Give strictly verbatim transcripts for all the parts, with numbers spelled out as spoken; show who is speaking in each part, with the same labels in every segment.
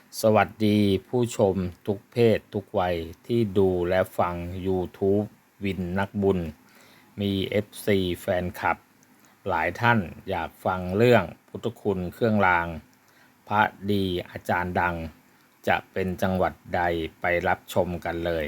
Speaker 1: สวัสดีผู้ชมทุกเพศทุกวัยที่ดูและฟัง YouTube วินนักบุญ มี เอฟ ซี แฟนคลับ หลายท่านอยากฟังเรื่องพุทธคุณเครื่องราง พระดีอาจารย์ดัง จะเป็นจังหวัดใดไปรับชมกันเลย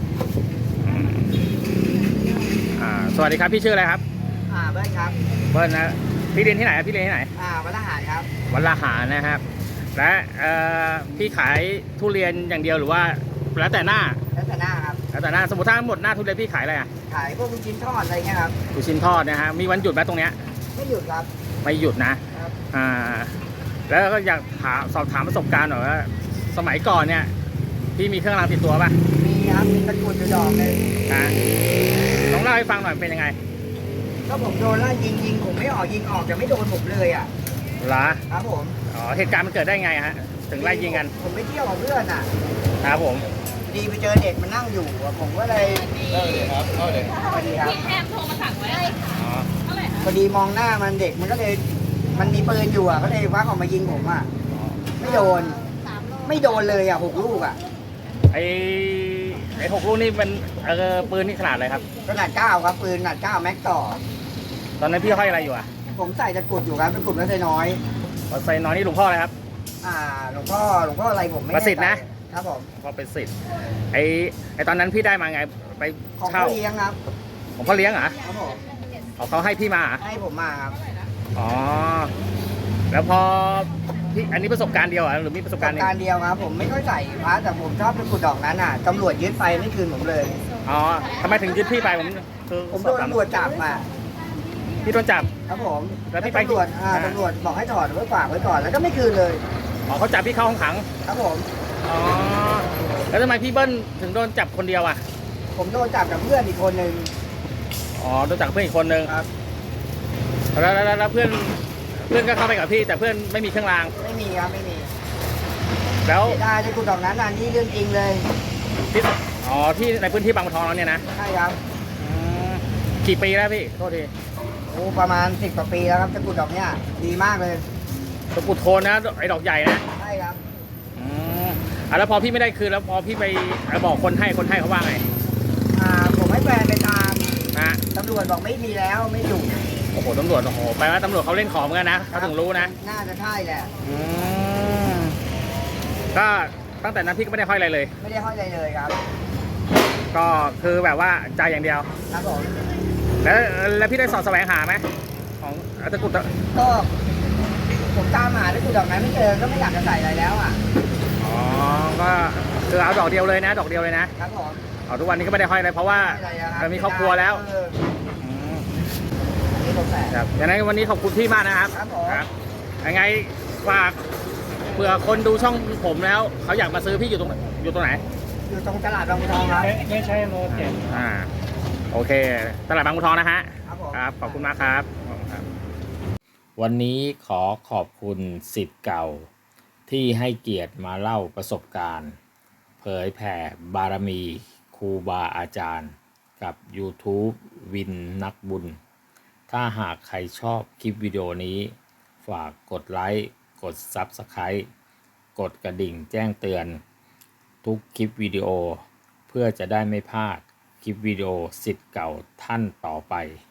Speaker 1: อ่าสวัสดีครับพี่ชื่ออะไรครับ
Speaker 2: อ่าเบิ้ลครับ
Speaker 1: เบิ้ลนะพี่เรียนที่ไหนครับพี่เรียนที่ไหน
Speaker 2: อ่าวัดละหารครับ
Speaker 1: วัดละหารนะครับ และเอ่อพี่ขายทุเรียนอย่างเดียวหรือว่าแล้วแต่หน้า
Speaker 2: แล้วแต่หน้าครับ
Speaker 1: แล้วแต่หน้าสมมติถ้าหมดหน้าทุเรียนพี่ขายอะไรอ่ะ
Speaker 2: ขายพวกลูกชิ้นทอดอะไรเงี้ยครับ
Speaker 1: ลูกชิ้นทอดนะฮะมีวันหยุดไหมตรงเนี้ย
Speaker 2: ไม่หยุดครับ
Speaker 1: ไม่หยุดนะครับ อ่าแล้วก็อยากถามสอบถามประสบการณ์หน่อยว่าสมัยก่อนเนี่ยพี่มีเครื่องรางติดตัวป่ะ
Speaker 2: มีครับ มีตะกรุดอยู่ดอกเลย
Speaker 1: นะลองเล่าให้ฟังหน่อยเป็นยังไง
Speaker 2: ก็ผมโดนไล่ยิงยิงผมไม่ออกยิงออกแต่ไม่โดนผมเลยอ่ะ
Speaker 1: เหรอ
Speaker 2: ครับผม
Speaker 1: อ๋อเหตุการณ์มันเกิดได้ไงฮะถึงไล่ยิงกัน
Speaker 2: ผมไปเที่ยวกับเพื่อนอ่ะ
Speaker 1: ครับผม
Speaker 2: ดีไปเจอเด็กมันนั่งอยู่อะผมก็เลยเออครับเข้าเลยพอดีครับ
Speaker 3: พี่แอมโทรมาสั่งไว้อะ
Speaker 1: อ๋อ
Speaker 3: เท่าไหร่คะ
Speaker 2: พอดีมองหน้ามันเด็กมันก็เลยมันมีปืนอยู่อ่ะก็เลยวักออกมายิงผมอ่ะไม่โดน ไม่โดนเลยอ่ะหกลูกอ่ะ
Speaker 1: ไอไอหกลูกนี่มันเออปืนนี่ขนาดอะไรครับ
Speaker 2: ขนาดเก้าครับปืนขนาดเก้าแม็กต่อ
Speaker 1: ตอนนั้นพี่ห้อยอะไรอยู่อ่ะ
Speaker 2: ผมใส่ตะกรุดอยู่ครับตะกรุดไม่ใช่น้อย
Speaker 1: ใส่น้อยนี่หลวงพ่ออะไรครับ
Speaker 2: อ่าหลวงพ่อหลวงพ่ออะไรผมไม่
Speaker 1: ประสิทธิ์นะ
Speaker 2: แใจครับผม
Speaker 1: พอเป็นสิทธิ์ไอไอตอนนั้นพี่ได้มาไงไป
Speaker 2: ของ
Speaker 1: เช่า
Speaker 2: พ่อเลี้ยงครับ
Speaker 1: ของพ่อเลี้ยงเหรอ
Speaker 2: ครับผม
Speaker 1: อ๋อเขาให้พี่มาเหรอ
Speaker 2: ให้ผมมาครับ
Speaker 1: อ๋อแล้วพอพี่อันนี้ประสบการณ์เดียวเหรอหรือมีประสบการณ์
Speaker 2: ป
Speaker 1: ห
Speaker 2: ระ
Speaker 1: นึ่
Speaker 2: การ
Speaker 1: ง
Speaker 2: เดียวครับ ผมไม่ค่อยใส่พระแต่ผมชอบตะกรุดดอกนั้นอ่ะตำรวจยึดไปไม่คืนผมเลย
Speaker 1: อ๋อทำไมถึงยึดพี่ไปผมคือ
Speaker 2: ผม
Speaker 1: ส
Speaker 2: โด
Speaker 1: อบ
Speaker 2: น
Speaker 1: ถาม
Speaker 2: ตำรวจจับมา
Speaker 1: พี่โดนจับ
Speaker 2: ครับผม
Speaker 1: แล้วพี่ไป
Speaker 2: ตำรวจอ่า
Speaker 1: อ่า
Speaker 2: ตำรวจบอกให้ถอดไว้ฝากไว้ก่อนแล้วก็ไม่คืนเลย
Speaker 1: อ๋อเขาจับพี่เข้าห้องขัง
Speaker 2: ครับผม
Speaker 1: อ๋อแล้วทำไมพี่เบิ้ลถึงโดนจับคนเดียวอ่ะ
Speaker 2: ผมโดนจับกับเพื่อนอีกคนนึง
Speaker 1: อ๋อโดนจับเพื่อนอีกคนนึง
Speaker 2: ครับ
Speaker 1: แล้วแล้วแล้วแล้วเพื่อนเพื่อนก็เข้าไปกับพี่แต่เพื่อนไม่มีเครื่องราง
Speaker 2: ไม่มีครับไม่มี
Speaker 1: แล้ว
Speaker 2: เสียดายตะกรุดดอกนั้นอ่ะนี่เรื่องจริงเลย
Speaker 1: ที่อ๋อที่ในพื้นที่บางบัวทองเราเนี่ยนะ
Speaker 2: ใช่ครับ
Speaker 1: อืมกี่ปีแล้วพี่โทษที
Speaker 2: โอ้ประมาณสิบกว่าปีแล้วครับตะกรุดดอกเนี้ยดีมากเลย
Speaker 1: ตะกรุดโทนนะไอ้ดอกใหญ่นะ
Speaker 2: ใช่ครับ
Speaker 1: อืมอ่ะแล้วพอพี่ไม่ได้คืนแล้วพอพี่ไปบอกคนให้คนให้เขาว่าไง
Speaker 2: อ่าผมให้แฟนไปตาม
Speaker 1: นะ
Speaker 2: ตำรวจบอกไม่มีแล้วไม่อยู่
Speaker 1: โอ้โหตำรวจโอ้โหแปลว่าตำรวจเขาเล่นของเหมือนกันนะเขาถึงรู้นะ
Speaker 2: น่าจะใช่แหละ
Speaker 1: อืมก็ตั้งแต่นั้นพี่ก็ไม่ได้ห้อยอะไรเลย
Speaker 2: ไม่ได้ห้อยอะไรเลยครับ
Speaker 1: ก็คือแบบว่าใจอย่างเดียว
Speaker 2: ครับผม
Speaker 1: แล้วแล้วพี่ได้สอดแสวงหาไหมของตะกรุดอะ
Speaker 2: ก็ผมตามหาด้วยกุดอกนั้นไม่เจอก็ไม่อยากจะใส่อะไรแล้วอ่ะ
Speaker 1: อ๋อก็คือเอาดอกเดียวเลยนะ ดอกเดียวเลยนะครับ
Speaker 2: ผม
Speaker 1: เอาทุกวันนี้ก็ไม่ได้ห้อยอะไรเพราะว่า
Speaker 2: ไม่อะไรอะครับ
Speaker 1: เรามีครอบครัวแล้ว
Speaker 2: เออ
Speaker 1: อืม
Speaker 2: อันนี่ผมแฝง
Speaker 1: ครับอย่างนั้นวันนี้ขอบคุณพี่มากนะครับ
Speaker 2: ครับผม
Speaker 1: ยังไงฝากเผื่อคนดูช่องผมแล้วเขาอยากมาซื้อพี่อยู่ตรงอยู่ตรงไหน
Speaker 2: อยู่ตรงตลาดบางบัวทองครับ
Speaker 4: ไม่ใช่โลเจ็ด
Speaker 1: อ่าโอเค ตลาดบางบัวทองนะฮะ
Speaker 2: ครับผม
Speaker 1: ครับขอบคุณมากครับขอบคุณครับ วันนี้ขอขอบคุณศิษย์เก่า ที่ให้เกียรติมาเล่าประสบการณ์ เผยแผ่บารมีครูบาอาจารย์ กับ YouTube วินนักบุญ ถ้าหากใครชอบคลิปวิดีโอนี้ ฝากกดไลค์ กด ซับสไครบ์ กดกระดิ่งแจ้งเตือน ทุกคลิปวิดีโอ เพื่อจะได้ไม่พลาดคลิปวิดีโอศิษย์เก่าท่านต่อไป